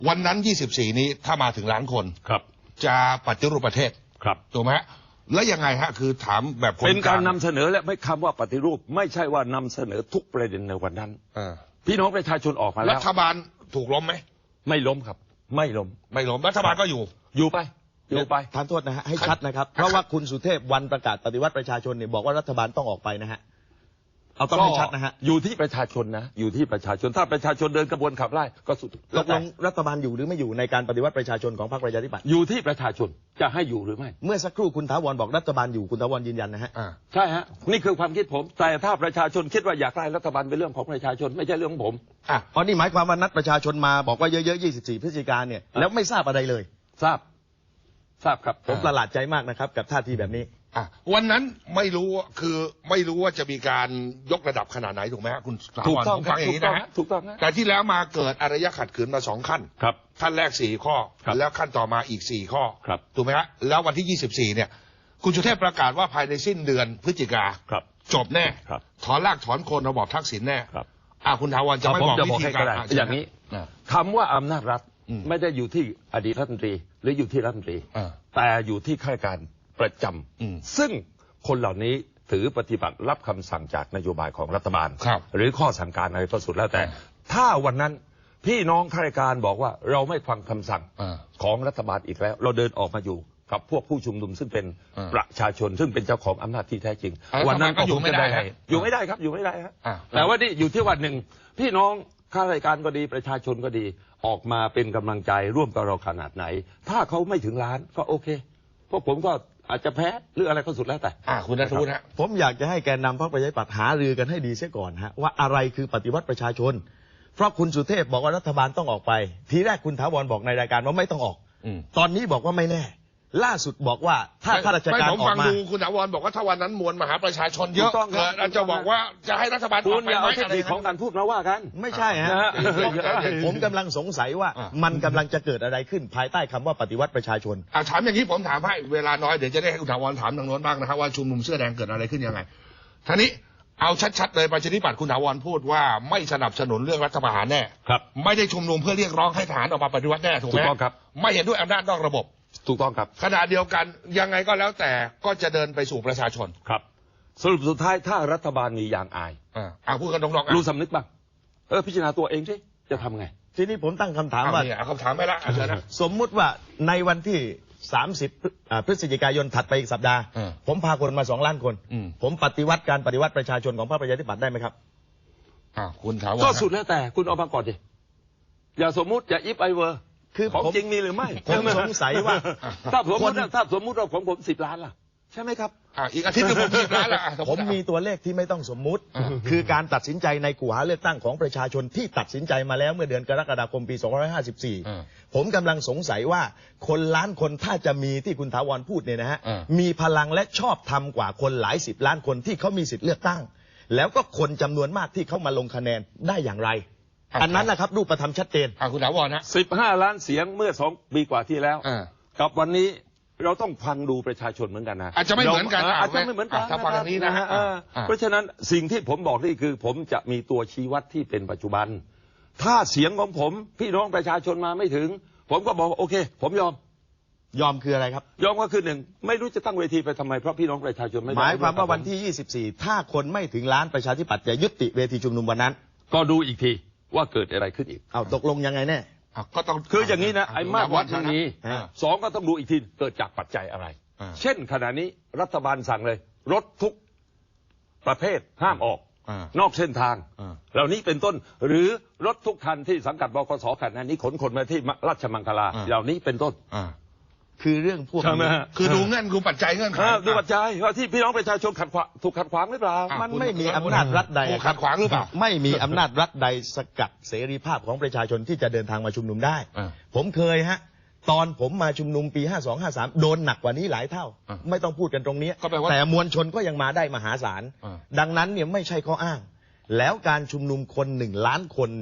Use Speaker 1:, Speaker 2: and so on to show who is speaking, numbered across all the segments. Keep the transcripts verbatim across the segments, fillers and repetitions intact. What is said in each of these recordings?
Speaker 1: วันนั้นยี่สิบสี่นี้ถ้ามาถึงล้านคน
Speaker 2: ครับ
Speaker 1: จะปฏิรูปประเทศ
Speaker 2: ครับ
Speaker 1: ถูกไหมแล้วยังไงฮะคือถามแบบ
Speaker 2: เป็นการนำเสนอและไม่คำว่าปฏิรูปไม่ใช่ว่านำเสนอทุกประเด็นในวันนั้นพี่น้องประชาชนออกมาแล้ว
Speaker 1: รัฐบาลถูกล้มไหม
Speaker 2: ไม่ล้มครับไม่ล้ม
Speaker 1: ไม่ล้มรัฐบาลก็อยู่
Speaker 2: อยู่ไปอยู่ไป
Speaker 3: ทานโทษนะฮะให้ชัดนะครับเพราะว่าคุณสุเทพวันประกาศปฏิวัติประชาชนเนี่ยบอกว่ารัฐบาลต้องออกไปนะฮะเอาต้องให้ชัดนะฮะ
Speaker 2: อยู่ที่ประชาชนนะอยู่ที่ประชาชนถ้าประชาชนเดินกระบวนขับไล่ก็สุด
Speaker 3: ตกลงรัฐบาลอยู่หรือไม่อยู่ในการปฏิวัติประชาชนของพรรคประชาธิปัตย์
Speaker 2: อยู่ที่ประชาชนจะให้อยู่หรือไม่
Speaker 3: เมื่อสักครู่คุณถาวรบอกรัฐบาลอยู่คุณถาวรยืนยันนะฮะ
Speaker 2: ใช่ฮะนี่คือความคิดผมแต่ถ้าประชาชนคิดว่าอยากได้รัฐบาลเป็นเรื่องของประชาชนไม่ใช่เรื่องของผม
Speaker 3: อ่ะเพราะนี่หมายความว่านัดประชาชนมาบอกว่าเยอะๆยี่สิบสี่พฤศจิกายนเนี่ยแล้วไม่ทราบอะไรเลย
Speaker 2: ทราบทราบครับ
Speaker 3: ผมประหลาดใจมากนะครับกับท่าทีแบบนี้
Speaker 1: อ่ะวันนั้นไม่รู้คือไม่รู้ว่าจะมีการยกระดับขนาดไหนถูกไหมฮะคุณ
Speaker 2: ถูกต้อง
Speaker 1: ฟังอย่างนี้นะฮะ
Speaker 2: ถูกต้อง
Speaker 1: แต่ที่แล้วมาเกิดอารยะขัดขืนมาสองขั้น
Speaker 2: ครับ
Speaker 1: ขั้นแรกสี่ข้อแล้วขั้นต่อมาอีกสี่ข้อ
Speaker 2: ครับ
Speaker 1: ถูกไหมฮะแล้ววันที่ยี่สิบสี่เนี่ยคุณสุเทพประกาศว่าภายในสิ้นเดือนพฤศจิกาจบแน่ถอนรากถอนโคนระบอบทักษิณแน่อ่ะคุณถาวรจะไม่บอกวิธีการ
Speaker 2: อย่างนี้คำว่าอำนาจรัฐไม่ได้อยู่ที่อดีตรัฐมนตรีหรืออยู่ที่รัฐมนตรีแต่อยู่ที่ข้าราชการประจำซึ่งคนเหล่านี้ถือปฏิบัติรับคำสั่งจากนโยบายของรัฐบาลหรือข้อสั่งการอะไรก็สุดแล้วแต่ถ้าวันนั้นพี่น้องข้าราชการบอกว่าเราไม่ฟังคำสั่งของรัฐบาลอีกแล้วเราเดินออกมาอยู่กับพวกผู้ชุมนุมซึ่งเป็นประชาชนซึ่งเป็นเจ้าของอำนาจที่แท้จริงวันนั้นก็อยู่ไม่ได้อยู่ไม่ได้ครับอยู่ไม่ได้ครับแต่ว่านี่อยู่ที่วันหนึ่งพี่น้องข้าราชการก็ดีประชาชนก็ดีออกมาเป็นกำลังใจร่วมกับเราขนาดไหนถ้าเขาไม่ถึงล้านก็โอเคพวกผมก็อาจจะแพ้หรืออะไรก็สุดแล้วแต่
Speaker 1: อ่าคุณนัทวุฒิฮะ
Speaker 3: ผมอยากจะให้แกนนำพรรคประชาธิปัตย์หารือกันให้ดีเสียก่อนฮะว่าอะไรคือปฏิวัติประชาชนเพราะคุณสุเทพบอกว่ารัฐบาลต้องออกไปทีแรกคุณถาวรบอกในรายการว่าไม่ต้องออกตอนนี้บอกว่าไม่แน่ล่าสุดบอกว่าถ้าข้าราชการออกมาผม
Speaker 1: ฟังดูคุณถาวรบอกว่าถ้าวันนั้นมวลมหาประชาชนเยอะอาจจะบอกว่าจะให้รัฐบาลออกไปไหม
Speaker 2: อะไรของการพูดมาว่ากัน
Speaker 3: ไม่ใช่ฮะผมกำลังสงสัยว่ามันกำลังจะเกิดอะไรขึ้นภายใต้คำว่าปฏิวัติประชาชน
Speaker 1: ถามอย่างนี้ผมถามให้เวลาน้อยเดี๋ยวจะได้ให้คุณถาวรถามทางโน้นบ้างนะครับว่าชุมนุมเสื้อแดงเกิดอะไรขึ้นยังไงท่านี้เอาชัดๆเลยประชาธิปัตย์คุณถาวรพูดว่าไม่สนับสนุนเรื่องรัฐประหารแน่
Speaker 2: ครับ
Speaker 1: ไม่ได้ชุมนุมเพื่อเรียกร้องให้ทหารออกมาปฏิวัติแน่ถูกไหม
Speaker 2: ถูกต้องครับ
Speaker 1: ไม่เห็นด้วยอำนาจนอกระบบ
Speaker 2: ถูกต้องครับ
Speaker 1: ขณะเดียวกันยังไงก็แล้วแต่ก็จะเดินไปสู่ประชาชน
Speaker 2: ครับสรุปสุดท้ายถ้ารัฐบาลมียางอาย
Speaker 1: อ่าพูดกันตรงๆ
Speaker 2: รู้สำนึกบ้างเออพิจารณาตัวเองสิจะทำไง
Speaker 3: ทีนี้ผมตั้งคำถามว่า
Speaker 1: เอาคำถามไปละ
Speaker 3: สมมุติว่าในวันที่สามสิบพฤศจิกายนถัดไปอีกสัปดาห์ผมพาคนมาสองล้านคนผมปฏิวัติการปฏิวัติประชาชนของพรรคประชาธิปัตย์ได้ไหมครับ
Speaker 1: อ่าคุณถามว่า
Speaker 2: ก็สุดแล้วแต่คุณเอามาก่อนดิอย่าสมมุติอย่าอิฟไอเวอร์
Speaker 3: คือ
Speaker 2: ของจริงมีหรือไม่
Speaker 3: ผมสงสัยว่า
Speaker 2: ถ้าสมมติถ้าสมมติเราของผมสิบล้านล่ะใช่ไหมครับ
Speaker 1: อ่าอีกอาทิตย์นึงผมสิบล้านละ
Speaker 3: ผมมีตัวเลขที่ไม่ต้องสมมุติคือการตัดสินใจในกูหาเลือกตั้งของประชาชนที่ตัดสินใจมาแล้วเมื่อเดือนกรกฎาคมปีสองพันห้าร้อยห้าสิบสี่ผมกำลังสงสัยว่าคนล้านคนถ้าจะมีที่คุณถาวรพูดเนี่ยนะฮะมีพลังและชอบธรรมกว่าคนหลายสิบล้านคนที่เขามีสิทธิ์เลือกตั้งแล้วก็คนจำนวนมากที่เขามาลงคะแนนได้อย่างไรอันนั้นนะครับรูปธรรมชัดเจน
Speaker 1: คุณถาวรนะ
Speaker 2: สิบห้าล้านเสียงเมื่อสองปีกว่าที่แล้วกับวันนี้เราต้องฟังดูประชาชนเหมือนกันนะ
Speaker 1: อาจจะไม่เหมือนกัน
Speaker 2: อาจจะไม่เหมือนกัน
Speaker 1: ถ้าฟังอย่างนี้นะฮะ
Speaker 2: เพราะฉะนั้นสิ่งที่ผมบอกนี่คือผมจะมีตัวชี้วัดที่เป็นปัจจุบันถ้าเสียงของผมพี่น้องประชาชนมาไม่ถึงผมก็บอกโอเคผมยอม
Speaker 3: ยอมคืออะไรครับ
Speaker 2: ยอมก็คือหนึ่งไม่รู้จะตั้งเวทีไปทำไมเพราะพี่น้องประชาชนไม่
Speaker 3: หมายความว่าวันที่ยี่สิบสี่ถ้าคนไม่ถึงล้านประชาธิปัตย์จะยุติเวทีชุมนุมวันนั้น
Speaker 2: ก็ดูอีกทีว่าเกิดอะไรขึ้นอีก
Speaker 3: เอาตกลงยังไงแน่
Speaker 1: ก็ต้อง
Speaker 2: คืออย่างนี้นะไอ้มากวัดทางนี้สองก็ต้องดูอีกทีเกิดจากปัจจัยอะไรเช่นขณะนี้รัฐบาลสั่งเลยรถทุกประเภทห้ามออกนอกเส้นทางเหล่านี้เป็นต้นหรือรถทุกคันที่สังกัดบกสขณะนี้ขนคนมาที่ราชมังคลาเหล่านี้เป็นต้น
Speaker 3: คือเรื่องพวก
Speaker 1: นี้คือดูเงื่อนดูปัจจัยเงื่อนไข
Speaker 2: ดูปัจจัยว่าที่พี่น้องประชาชนขัดขวางถูกขัดขวางหรือเปล่า
Speaker 3: มันไม่มีอำนาจรัฐใด
Speaker 1: ขัดขวางหรือเปล่า
Speaker 3: ไม่มีอำนาจรัฐใดสกัดเสรีภาพของประชาชนที่จะเดินทางมาชุมนุมได้ผมเคยฮะตอนผมมาชุมนุมปีห้าสอง ห้าสามโดนหนักกว่านี้หลายเท่าไม่ต้องพูดกันตรงนี้แต่มวลชนก็ยังมาได้มหาศาลดังนั้นเนี่ยไม่ใช่ข้ออ้างแล้วการชุมนุมคนหนึ่งล้านคนเนี่ย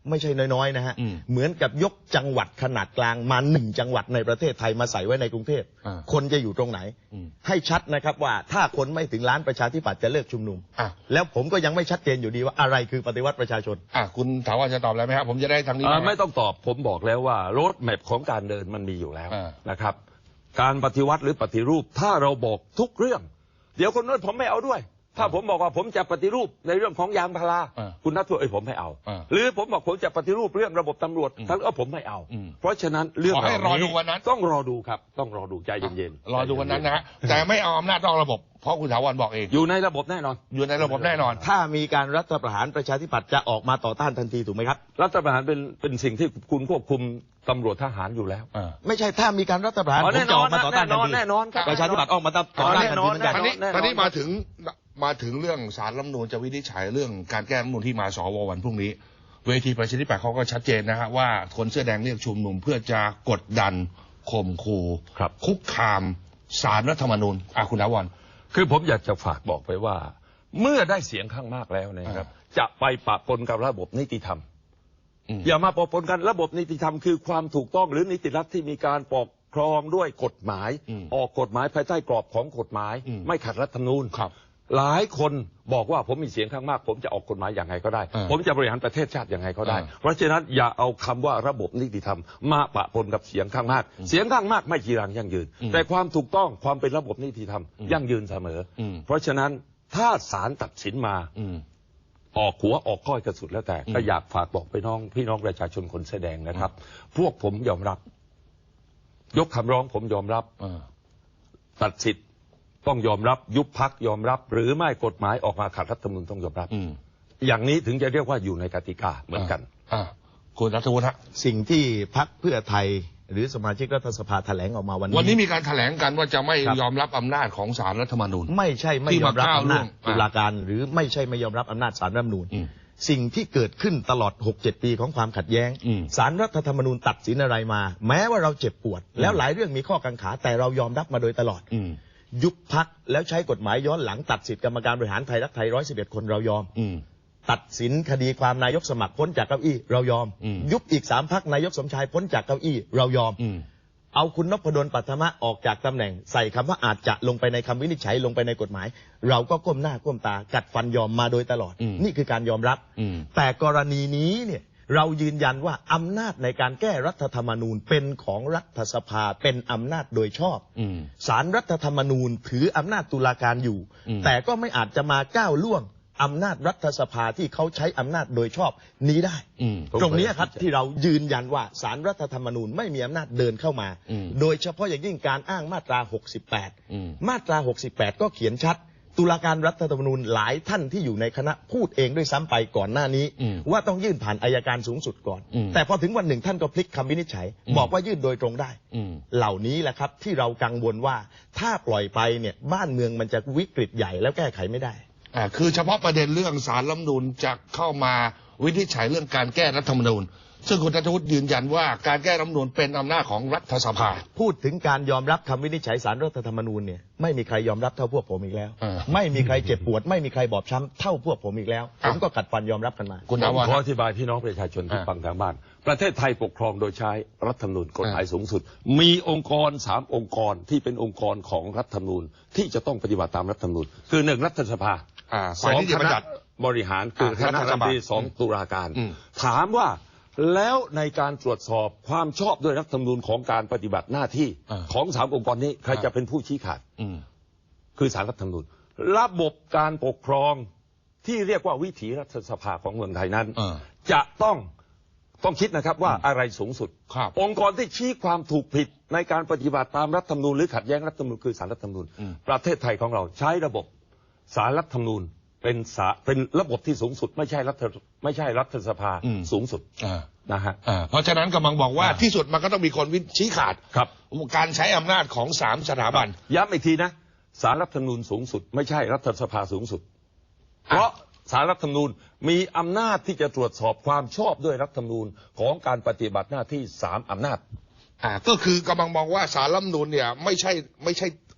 Speaker 3: ไม่ใช่น้อยๆนะฮะ
Speaker 1: อืม
Speaker 3: เหมือนกับยกจังหวัดขนาดกลางมาหนึ่งจังหวัดในประเทศไทยมาใส่ไว้ในกรุงเทพ
Speaker 1: อ่า
Speaker 3: คนจะอยู่ตรงไหน
Speaker 1: อืม
Speaker 3: ให้ชัดนะครับว่าถ้าคนไม่ถึงล้านประชาธิปัตย์จะเลิกชุมนุม
Speaker 1: อ่ะ
Speaker 3: แล้วผมก็ยังไม่ชัดเจนอยู่ดีว่าอะไรคือปฏิวัติประชาชน
Speaker 1: อ่ะคุณถามว่าจะตอบอะไรไหมครับผมจะได้ทางนี้
Speaker 2: อ่า
Speaker 1: บ้าง
Speaker 2: ไม่ต้องตอบผมบอกแล้วว่าโรดแมพของการเดินมันมีอยู่แล้ว
Speaker 1: อ่า
Speaker 2: นะครับ การปฏิวัติหรือปฏิรูปถ้าเราบอกทุกเรื่อง เดี๋ยวคนโน้นผมไม่เอาด้วย ถ้าผมบอกว่าผมจะปฏิรูปในเรื่องของยางพารา
Speaker 1: อ่า
Speaker 2: คุณนัทว่าเอ้ยผมไม่เอา
Speaker 1: อ่า
Speaker 2: หรือผมบอกผมจะปฏิรูปเรื่องระบบตำรวจ
Speaker 1: อืม
Speaker 2: ท่านก็ผมไม่เอา
Speaker 1: อืม
Speaker 2: เพราะฉะนั้นเรื่อง
Speaker 1: ขอให้
Speaker 2: เหล่าร
Speaker 1: อดูวันนั้น
Speaker 2: ต้องรอดูครับ ต้องรอดูใจเย็นๆ
Speaker 1: รอดูวันนั้นนะฮะแต่ไม่เอาอำนาจนอกระบบ เพราะคุณถาวรบอกเอง
Speaker 2: อยู่ในระบบแน่นอน
Speaker 1: อยู่ในระบบแน่นอน
Speaker 3: ถ้ามีการรัฐประหารประชาธิปัตย์จะออกมาต่อต้านทันทีถูกไหมครับ
Speaker 2: รัฐประหารเป็นเป็นสิ่งที่คุณควบคุมตำรวจทหารอยู่แล้ว
Speaker 1: อ่า
Speaker 3: ไม่ใช่ถ้ามีการรัฐประหาร
Speaker 2: อ๋อ
Speaker 3: ผม
Speaker 2: แน่น
Speaker 3: จะ
Speaker 2: อ
Speaker 3: อน อกมาต่อต้านทันที
Speaker 2: แน่นอนครับ
Speaker 3: ประชาธิปัตย์ออกมาต่อต้านทันทีเหมือนกัน
Speaker 1: ตอนนี้
Speaker 2: แน่นอน
Speaker 1: ตอนนี้มาถึงมาถึงเรื่องสารรัฐธรรมนูญจะวินิจฉัยเรื่องการแก้รัฐธรรมนูญที่มาสววันพรุ่งนี้ เวทีประชาธิปัตย์เขาก็ชัดเจนนะฮะว่าคนเสื้อแดงเรียกชุมนุมเพื่อจะกดดันข่มขู่
Speaker 2: ครับ
Speaker 1: คุกคามสารรัฐธรรมนูญอ่ะคุณถาวร
Speaker 2: คือผมอยากจะฝากบอกไปว่า เมื่อได้เสียงข้างมากแล้วนะครับ จะไปปะปนกับระบบนิติธรรม
Speaker 1: อืม
Speaker 2: อย่ามาปะปนกันระบบนิติธรรมคือความถูกต้องหรือนิติรัฐที่มีการปกครองด้วยกฎหมาย
Speaker 1: อืม
Speaker 2: ออกกฎหมายภายใต้กรอบของกฎหมาย
Speaker 1: อืม
Speaker 2: ไม่ขัดรัฐธรรมนูญ
Speaker 1: ครับ
Speaker 2: หลายคนบอกว่าผมมีเสียงข้างมาก ผมจะออกกฎหมายอย่างไงก็ได้
Speaker 1: อ่า
Speaker 2: ผมจะบริหารประเทศชาติอย่างไงก็ได้
Speaker 1: อ่า
Speaker 2: เพราะฉะนั้นอย่าเอาคำว่าระบบนิติธรรมมาปะปนกับเสียงข้างมาก เสียงข้างมากไม่จีรังยั่งยืน
Speaker 1: อืม
Speaker 2: แต่ความถูกต้องความเป็นระบบนิติธรรม
Speaker 1: อืม
Speaker 2: ยั่งยืนเสมออ
Speaker 1: ม
Speaker 2: เพราะฉะนั้นถ้าศาลตัดสินมา
Speaker 1: อืม
Speaker 2: ออกหัวออกก้อยกระสุดแล้วแต่
Speaker 1: อืม
Speaker 2: ก็อยากฝากบอกไปน้องพี่น้องประชาชนคนเสื้อแดงนะครับ พวกผมยอมรับ ยกคำร้องผมยอมรับ
Speaker 1: อ่า
Speaker 2: ตัดสิทธิ์ต้องยอมรับ ยุบพักยอมรับ หรือไม่กฎหมายออกมาขัดรัฐธรรมนูญต้องยอมรับ
Speaker 1: อืม
Speaker 2: อย่างนี้ถึงจะเรียกว่าอยู่ในกติกาเหมือนกัน
Speaker 1: อ่าคุณรัฐวุฒิฮะ
Speaker 3: สิ่งที่พรรคเพื่อไทยหรือสมาชิกรัฐสภาแถลงออกมาวันนี้
Speaker 1: วันนี้มีการแถลงกันว่าจะไม่
Speaker 3: ครับ
Speaker 1: ยอมรับอำนาจของศาลรัฐธรรมนูญ
Speaker 3: ไม่ใช่ไม่ยอมรับ
Speaker 1: ที่มาก้าว
Speaker 3: อำนาจ
Speaker 1: ล่วง
Speaker 3: ตุลาการ หรือไม่ใช่ไม่ยอมรับอำนาจศาลรัฐธรรมนูญ
Speaker 1: อืม
Speaker 3: สิ่งที่เกิดขึ้นตลอด หกเจ็ด ปีของความขัดแย้ง
Speaker 1: อืม
Speaker 3: ศาลรัฐธรรมนูญตัดสินอะไรมา แม้ว่าเราเจ็บปวด แล้วหลายเรื่องมีข้อกังขาแต่เรายอมรับมาโดยตลอด
Speaker 1: อืม
Speaker 3: ยุบพักแล้วใช้กฎหมายย้อนหลังตัดสิทธิกรรมการบริหารไทยรักไทยร้อยสิบเอ็ดคนเรายอม
Speaker 1: อืม
Speaker 3: ตัดสินคดีความนายกสมัครพ้นจากเก้าอี้เรายอม
Speaker 1: อืม
Speaker 3: ยุบอีกสามพักนายกสมชายพ้นจากเก้าอี้เรายอม
Speaker 1: อืม
Speaker 3: เอาคุณนพดลปัทมะออกจากตำแหน่งใส่คำว่าอาจจะลงไปในคำวินิจฉัยลงไปในกฎหมาย เราก็ก้มหน้าก้มตากัดฟันยอมมาโดยตลอด
Speaker 1: อืม
Speaker 3: นี่คือการยอมรับ
Speaker 1: อืม
Speaker 3: แต่กรณีนี้เนี่ยเรายืนยันว่าอำนาจในการแก้รัฐธรรมนูญเป็นของรัฐสภาเป็นอำนาจโดยชอบ
Speaker 1: อืม
Speaker 3: ศาลรัฐธรรมนูญถืออำนาจตุลาการอยู่
Speaker 1: อืม
Speaker 3: แต่ก็ไม่อาจจะมาก้าวล่วงอำนาจรัฐสภาที่เขาใช้อำนาจโดยชอบนี้ได้
Speaker 1: อืม
Speaker 3: ตรงนี้ครับที่เรายืนยันว่าศาลรัฐธรรมนูญไม่มีอำนาจเดินเข้ามา
Speaker 1: อืม
Speaker 3: โดยเฉพาะอย่างยิ่งการอ้างมาตรา หกสิบแปด
Speaker 1: อืม
Speaker 3: มาตรา หกสิบแปด ก็เขียนชัด ตุลาการรัฐธรรมนูญหลายท่านที่อยู่ในคณะพูดเองด้วยซ้ำไปก่อนหน้านี้
Speaker 1: อืม
Speaker 3: ว่าต้องยื่นผ่านอายการสูงสุดก่อน
Speaker 1: อืม
Speaker 3: แต่พอถึงวันหนึ่งท่านก็พลิกคำวินิจฉัย
Speaker 1: อืม
Speaker 3: บอกว่ายื่นโดยตรงได้
Speaker 1: อืม
Speaker 3: เหล่านี้แหละครับที่เรากังวลว่าถ้าปล่อยไปเนี่ยบ้านเมืองมันจะวิกฤตใหญ่แล้วแก้ไขไม่ได้
Speaker 1: อ่าคือเฉพาะประเด็นเรื่องสารรัฐธรรมนูญจะเข้ามาวินิจฉัยเรื่องการแก้รัฐธรรมนูญ ซึ่งคุณรัฐวุฒิยืนยันว่าการแก้รัฐธรรมนูญเป็นอำนาจของรัฐสภา
Speaker 3: พูดถึงการยอมรับคำวินิจฉัยศาลรัฐธรรมนูญเนี่ยไม่มีใครยอมรับเท่าพวกผมอีกแล้ว
Speaker 1: เออ
Speaker 3: ไม่มีใครเจ็บปวด ไม่มีใครบอบช้ำเท่าพวกผมอีกแล้ว ผมก็กัดฟันยอมรับกันมา
Speaker 1: คุณ
Speaker 2: ผ
Speaker 1: ถาม วร
Speaker 2: ขออธิบายพี่น้องประชาชนที่
Speaker 1: อ่า
Speaker 2: ฟังทางบ้าน ประเทศไทยปกครองโดยใช้รัฐธรรมนูญกฎหมาย
Speaker 1: อ่า
Speaker 2: สูงสุด มีองค์กรสามองค์กรที่เป็นองค์กรของรัฐธรรมนูญที่จะต้องปฏิบัติตามรัฐธรรมนูญคือหนึ่งรัฐสภา
Speaker 1: อ่า
Speaker 2: ส
Speaker 1: ฝ่าย
Speaker 2: อง
Speaker 1: นิติ
Speaker 2: ค
Speaker 1: บัญ
Speaker 2: ณะ
Speaker 1: ญัติ
Speaker 2: บริหารคือ
Speaker 1: อ่า
Speaker 2: คณะ
Speaker 1: รัฐ
Speaker 2: รัฐ
Speaker 1: บาล
Speaker 2: มนตรีสอง
Speaker 1: อืม
Speaker 2: ตุลาการ
Speaker 1: อืม
Speaker 2: ถามว่าแล้วในการตรวจสอบความชอบด้วยรัฐธรรมนูญของการปฏิบัติหน้าที่
Speaker 1: อ่า
Speaker 2: ของสามองค์กรนี้ใคร
Speaker 1: อ่า
Speaker 2: จะเป็นผู้ชี้ขาด
Speaker 1: อืม
Speaker 2: คือสารรัฐธรรมนูญระบบการปกครองที่เรียกว่าวิถีรัฐสภาของเมืองไทยนั้น
Speaker 1: เออ
Speaker 2: จะต้องต้องคิดนะครับว่าอะไรสูงสุด
Speaker 1: ครับ
Speaker 2: องค์กรที่ชี้ความถูกผิดในการปฏิบัติตามรัฐธรรมนูญหรือขัดแย้งรัฐธรรมนูญคือสารรัฐธรรมนูญ
Speaker 1: อืม
Speaker 2: ประเทศไทยของเราใช้ระบบสารรัฐธรรมนูญเป็นสาเป็นระบบที่สูงสุด ไม่ใช่รัฐไม่ใช่รัฐสภา
Speaker 1: อืม
Speaker 2: สูงสุด
Speaker 1: อ่า
Speaker 2: นะฮะ
Speaker 1: อ่าเพราะฉะนั้นกำลังบอกว่า
Speaker 2: อ่า
Speaker 1: ที่สุดมันก็ต้องมีคนวิชี้ขาด
Speaker 2: ครับ
Speaker 1: การใช้อำนาจของสามสถาบัน
Speaker 2: ย้ำอีกทีนะสารรัฐธรรมนูญสูงสุด ไม่ใช่รัฐสภาสูงสุด เพราะสารรัฐธรรมนูญมีอำนาจที่จะตรวจสอบความชอบด้วยรัฐธรรมนูญของการปฏิบัติหน้าที่สามอำนาจ
Speaker 1: อ่าก็คือกำลังมองว่าสารรัฐธรรมนูญเนี่ยไม่ใช่ไม่ใช่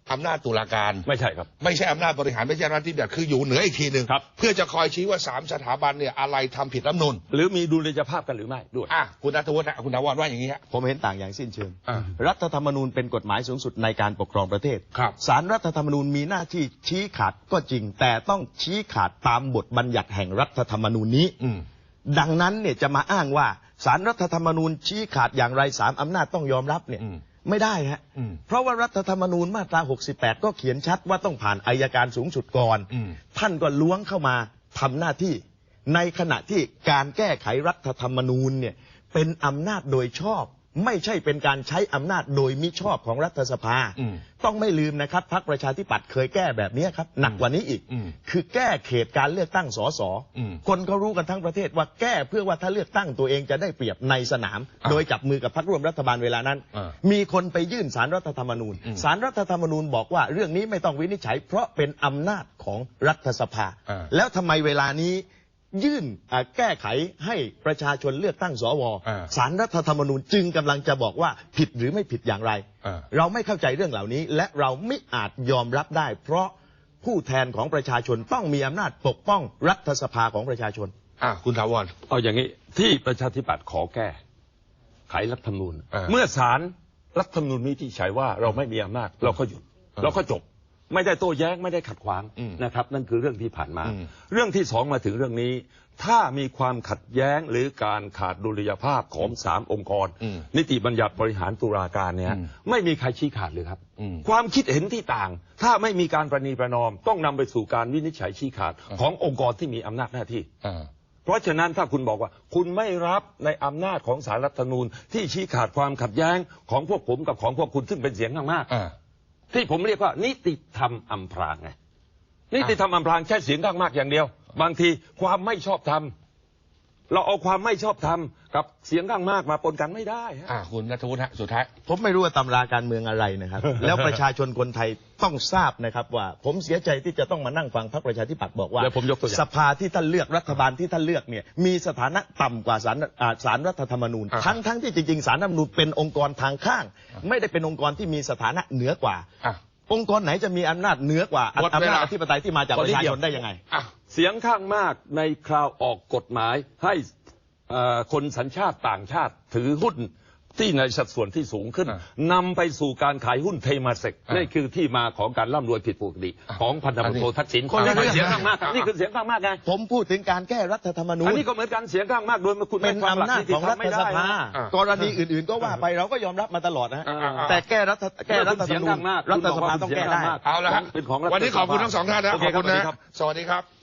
Speaker 1: อำนาจตุลาการ
Speaker 2: ไม่ใช่ครับ
Speaker 1: ไม่ใช่อำนาจบริหารไม่ใช่อำนาจที่แบบคืออยู่เหนืออีกทีหนึ่งเพื่อจะคอยชี้ว่าสามสถาบันเนี่ยอะไรทำผิดรัฐธรรมนูญ
Speaker 2: หรือมีดุลยภาพกันหรือไม่ด้วย
Speaker 1: อ่ะคุณณัฐวุฒิคุณถาวรว่าอย่างนี้ฮะ
Speaker 3: ผมเห็นต่างอย่างสิ้นเชิงรัฐธรรมนูญเป็นกฎหมายสูงสุดในการปกครองประเทศ
Speaker 1: ครับ
Speaker 3: ศาลรัฐธรรมนูญมีหน้าที่ชี้ขาดก็จริงแต่ต้องชี้ขาดตามบทบัญญัติแห่งรัฐธรรมนูญนี้ดังนั้นเนี่ยจะมาอ้างว่าศาลรัฐธรรมนูญชี้ขาดอย่างไรสามอำนาจต้องยอมรับเนี่ยไม่ได้ฮะเพราะว่ารัฐธรรมนูญมาตราหกสิบแปดก็เขียนชัดว่าต้องผ่านอัยการสูงสุดก่อนท่านก็ล้วงเข้ามาทำหน้าที่ในขณะที่การแก้ไขรัฐธรรมนูญเนี่ยเป็นอำนาจโดยชอบไม่ใช่เป็นการใช้อำนาจโดยมิชอบของรัฐสภาต้องไม่ลืมนะครับพรรคประชาธิปัตย์เคยแก้แบบนี้ครับหนักกว่านี้อีกคือแก้เขตการเลือกตั้งสสคนเขารู้กันทั้งประเทศว่าแก้เพื่อว่าถ้าเลือกตั้งตัวเองจะได้เปรียบในสนามโดยจับมือกับพรรคร่วมรัฐบาลเวลานั้นมีคนไปยื่นศาลรัฐธรรมนูญศาลรัฐธรรมนูญบอกว่าเรื่องนี้ไม่ต้องวินิจฉัยเพราะเป็นอำนาจของรัฐสภาแล้วทำไมเวลานี้ยื่นแก้ไขให้ประชาชนเลือกตั้งสวศาลรัฐธรรมนูญจึงกำลังจะบอกว่าผิดหรือไม่ผิดอย่างไรเราไม่เข้าใจเรื่องเหล่านี้และเราไม่อาจยอมรับได้เพราะผู้แทนของประชาชนต้องมีอำนาจปกป้องรัฐสภาของประชาชน
Speaker 1: อ่ะคุณถาวร
Speaker 2: เอาอย่างนี้ที่ประชาธิปัตย์ขอแก้ไขรัฐธรรมนูญเมื่อศาลรัฐธรรมนูญวินิจฉัยว่าเราไม่มีอำนาจเราก็หยุดเราก็จบไม่ได้โต้แย้งไม่ได้ขัดขวางนะครับนั่นคือเรื่องที่ผ่านมาเรื่องที่สองมาถึงเรื่องนี้ถ้ามีความขัดแย้งหรือการขาดดุลยภาพของสามองค์กรนิติบัญญัติบริหารตุลาการเนี่ยไม่มีใครชี้ขาดเลยครับความคิดเห็นที่ต่างถ้าไม่มีการประนีประนอมต้องนำไปสู่การวินิจฉัยชี้ขาดขององค์กรที่มีอำนาจหน้าที่เพราะฉะนั้นถ้าคุณบอกว่าคุณไม่รับในอำนาจของศาลรัฐธรรมนูญที่ชี้ขาดความขัดแย้งของพวกผมกับของพวกคุณซึ่งเป็นเสียงข้างมากที่ผมเรียกว่านิติธรรมอำพรางไงนิติธรรมอำพรางแค่เสียงข้างมากอย่างเดียวบางทีความไม่ชอบธรรมเราเอาความไม่ชอบธรรมกับเสียงข้างมากมาปนกันไม่ได้ฮะ
Speaker 1: คุณณัฐวุฒิฮะสุดท้าย
Speaker 3: ผมไม่รู้ว่าตำราการเมืองอะไรนะครับ แล้วประชาชนคนไทยต้องทราบนะครับว่าผมเสียใจที่จะต้องมานั่งฟังพรรคประชาธิปัตย์บอกว่าสภาที่ท่านเลือกรัฐบาลที่ท่านเลือกเนี่ยมีสถานะต่ำกว่าศาลศาลรัฐธรรมนูญทั้งทั้งที่จริงๆศาลรัฐธรรมนูญเป็นองค์กรทางข้างไม่ได้เป็นองค์กรที่มีสถานะเหนือกว่าองค์กรไหนจะมีอำนาจเหนือกว่าอำนาจอธิปไตยที่มาจากประชาชนได้ยังไง
Speaker 2: เสียงข้างมากในคราวออกกฎหมายให้คนสัญชาติต่างชาติถือหุ้นที่ในสัดส่วนที่สูงขึ้นนำไปสู่การขายหุ้นเทมาเซกนี่คือที่มาของการร่ำรวยผิดปกติของพันธบัตรโททักษิณคนละเสียงข้างมากนี่คือเสียงข้างมากไง
Speaker 3: ผมพูดถึงการแก้รัฐธรรมนูญ
Speaker 2: อันนี้ก็เหมือนกันเสียงข้างมากโดยคุณ
Speaker 3: เป็นอำนาจของรัฐสภากรณีอื่นๆก็ว่าไปเราก็ยอมรับมาตลอดนะแต่แก้รัฐแก้รัฐธรรมนูญรัฐสภาต้องแก้ได้
Speaker 1: เอาละฮะวันนี้ขอบคุณทั้งสองท่านนะขอบคุณนะสวัสดีครับ